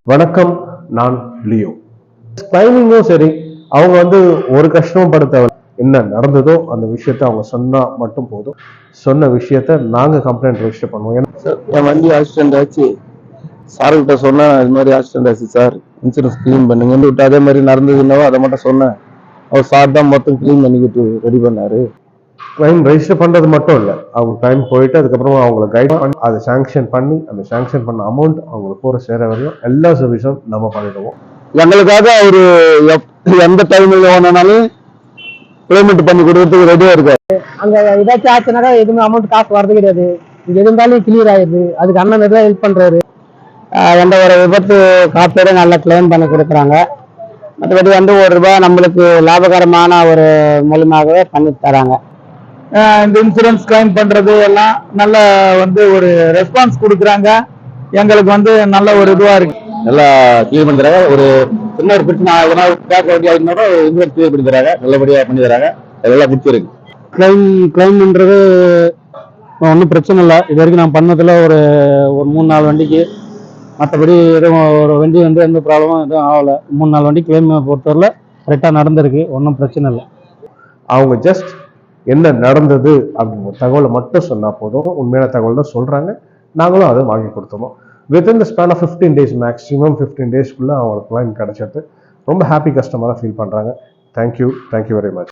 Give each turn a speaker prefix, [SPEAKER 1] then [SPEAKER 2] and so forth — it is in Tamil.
[SPEAKER 1] வணக்கம், நான் லியோ. கிளைமிங்கும் சரி, அவங்க ஒரு கஷ்டமும் பட தேவை. என்ன நடந்ததோ அந்த விஷயத்த அவங்க சொன்னா மட்டும் போதும். சொன்ன விஷயத்த நாங்க கம்ப்ளைண்ட் ரெஜிஸ்டர் பண்ணுவோம்.
[SPEAKER 2] என் வண்டி ஆக்சிடென்ட் ஆச்சு, சார்கிட்ட சொன்னேன், இது மாதிரி ஆக்சிடென்ட் ஆச்சு சார், இன்சூரன்ஸ் கிளீன் பண்ணுங்க விட்டு அதே மாதிரி நடந்ததுன்னாவோ அதை மட்டும் சொன்னேன். அவர் சார் தான் மொத்தம் கிளீன் பண்ணிக்கிட்டு ரெடி பண்ணாரு.
[SPEAKER 1] கிளைம் ரெஜிஸ்டர் பண்றது மட்டும் இல்ல, அவங்க டைம் போயிட்டு அதுக்கப்புறமா அவங்களை கைட் பண்ணி அதை சாங்ஷன் பண்ணி அந்த சாங்ஷன் பண்ண அமௌண்ட் அவங்களுக்கு போற சேர வரையும் எல்லா சர்வீஸும் நம்ம பண்ணிடுவோம்.
[SPEAKER 2] எங்களுக்காக அவரு எந்த டைம்ல வேணும்னாலும் பேமெண்ட் பண்ணி கொடுக்கறதுக்கு ரெடியா இருக்காரு.
[SPEAKER 3] அங்க ஏதாச்சும் ஆச்சுனாக்கா எதுவுமே அமௌண்ட் காசு வரது கிடையாது. இங்க இருந்தாலும் கிளியர் ஆயிடுது. அதுக்கு அண்ணன் தான் ஹெல்ப் பண்றாரு. எந்த ஒரு விபத்து காப்பீடு நல்லா கிளைம் பண்ணி கொடுக்குறாங்க. மற்றபடி ₹1 நம்மளுக்கு லாபகரமான ஒரு மூலமாகவே பண்ணி தராங்க.
[SPEAKER 2] இந்த இன்சூரன்ஸ் கிளைம் பண்றது எல்லாம் நல்ல ஒரு ரெஸ்பான்ஸ் கொடுக்குறாங்க. எங்களுக்கு நல்ல ஒரு இதுவா இருக்கு. நல்லா கிளியர் பண்ணி தராங்க. ஒரு சின்ன ஒரு பிரச்சனை இன்சூரன்ஸ் கிளியர் பண்ணி தராங்க. நல்லபடியா பண்ணி தராங்க. அதெல்லாம் பிடிச்சிருக்கு.
[SPEAKER 3] கிளைம்ன்றது ஒன்றும் பிரச்சனை இல்லை. இது வரைக்கும் நான் பண்ணதில் ஒரு 3-4 வண்டிக்கு. மற்றபடி எதுவும் ஒரு வண்டி எந்த ப்ராப்ளமும் எதுவும் ஆகலை. 3-4 வண்டி கிளைம் பொறுத்தவரையில் கரெக்டாக நடந்திருக்கு. ஒன்றும் பிரச்சனை இல்லை.
[SPEAKER 1] அவங்க ஜஸ்ட் என்ன நடந்தது அப்படிங்கிற தகவலை மட்டும் சொன்னா போதும். உண்மையான தகவல் தான் சொல்றாங்க. நாங்களும் அதை வாங்கி கொடுத்துருவோம். Within the span of 15 days, maximum 15 days அவங்களுக்கு கிளைம் கிடைச்சிட்டு ரொம்ப ஹாப்பி கஸ்டமராக ஃபீல் பண்றாங்க. Thank you very much.